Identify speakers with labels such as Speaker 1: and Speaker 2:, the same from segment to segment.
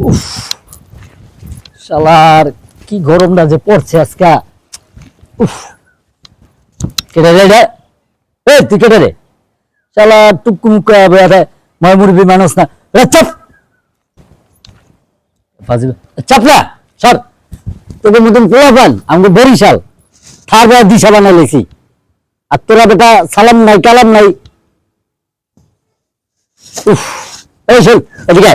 Speaker 1: উফ শালার কি গরমটা যে পড়ছে আজকে। উফ কেটে রে এই তুই কেটে রে শালা টুকু মুক্কা ময় মুরবি মানুষ না রে চুপ ফাজিল চাপ না সর তোকে মতন পোলা পান আমাকে বরিশাল থার বা দিশা বানাই লেছি আর তোরা বেটা সালাম নাই কালাম নাই। উফ এই শোন এদিকে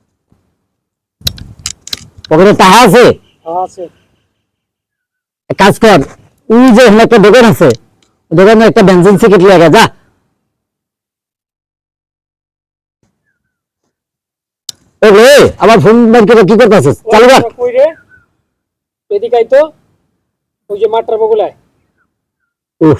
Speaker 1: পকেটে টাকা আছে
Speaker 2: আছে
Speaker 1: এক কাজ কর ওই যে এখানে একটা দোকান আছে দোকানে একটা বেনজিন সিগারেট লাগা যা। ওরে আমার ফোন ব্যাংকে কি করতেছিস চালু কর।
Speaker 2: কই রে এদিকে আই তো ওই যে মাঠটার বগুলায়।
Speaker 1: উফ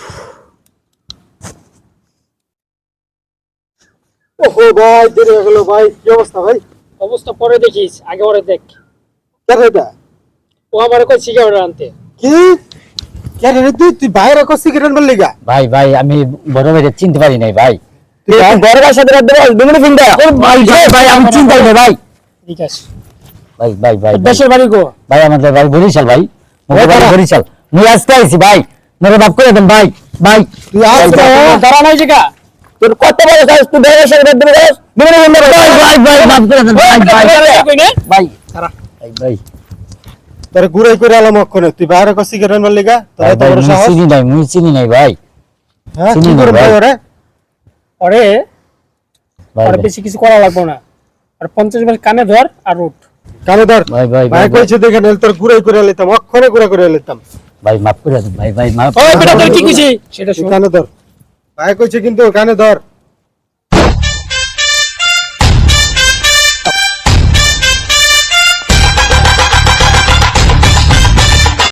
Speaker 2: ওহো ভাই দেরি হয়ে গেল ভাই কি অবস্থা ভাই? অবস্থা পরে দেখিস আগে ওরে দেখ।
Speaker 3: কেন এটা
Speaker 2: ও আমারে কই সিগারেট আনতে।
Speaker 3: কি কেন রে তুই বাইরে কো সিগারেট বল লিগা
Speaker 1: ভাই ভাই আমি বড় ভাইকে চিনতে পারি নাই ভাই।
Speaker 3: তুই
Speaker 1: বড় ভাইয়ের সাথে রাত দেবো দুমনে ফোন দে ভাই ভাই আমি চিন্তা করি ভাই
Speaker 2: এদিকে আস।
Speaker 1: ভাই ভাই ভাই
Speaker 2: দেশের বাড়ি গো?
Speaker 1: ভাই আমাদের ভাই বরিশাল ভাই মোর বাড়ি বরিশাল মুই আসতে আইছি ভাই মেরে বাপ করে দেন ভাই ভাই
Speaker 3: তুই আসতে
Speaker 2: দাঁড়া নাই জায়গা।
Speaker 1: তোর কত বড় সাহস তুই বেরের সাথে রাত দেবো দুমনে ফোন দে ভাই ভাই ভাই বাপ করে দেন ভাই ভাই
Speaker 2: কই না?
Speaker 1: ভাই
Speaker 2: দাঁড়া।
Speaker 1: ভাই ভাই
Speaker 3: তোর গুড়াই করে আলাম অক্ষণে তুই বাইরে কো সিগারেট বল লিগা তোর এত বড় সাহস
Speaker 1: মুই চিনি নাই ভাই
Speaker 3: হ্যাঁ
Speaker 1: চিনি
Speaker 3: কি
Speaker 1: না
Speaker 3: করে
Speaker 1: ভাই।
Speaker 3: ভাই ওরে
Speaker 2: ওরে
Speaker 1: ভাই
Speaker 2: আর বেশি কিছু করা লাগবে না। আর 50 মিনিট কানে ধর আর উঠ।
Speaker 3: কানে ধর
Speaker 1: ভাই ভাই
Speaker 3: ভাই
Speaker 1: ভাই
Speaker 3: কইছে দেখে নেল তোর গুড়াই করে লইতাম অক্ষণে গুড়া করে লইতাম
Speaker 1: ভাই মাফ করে দেন ভাই ভাই মাফ
Speaker 2: ওই বেটা তোর কি কইছি সেটা
Speaker 3: তুই
Speaker 2: শুন।
Speaker 3: কানে ধর ভাই কইছে কিন্তু কানে ধর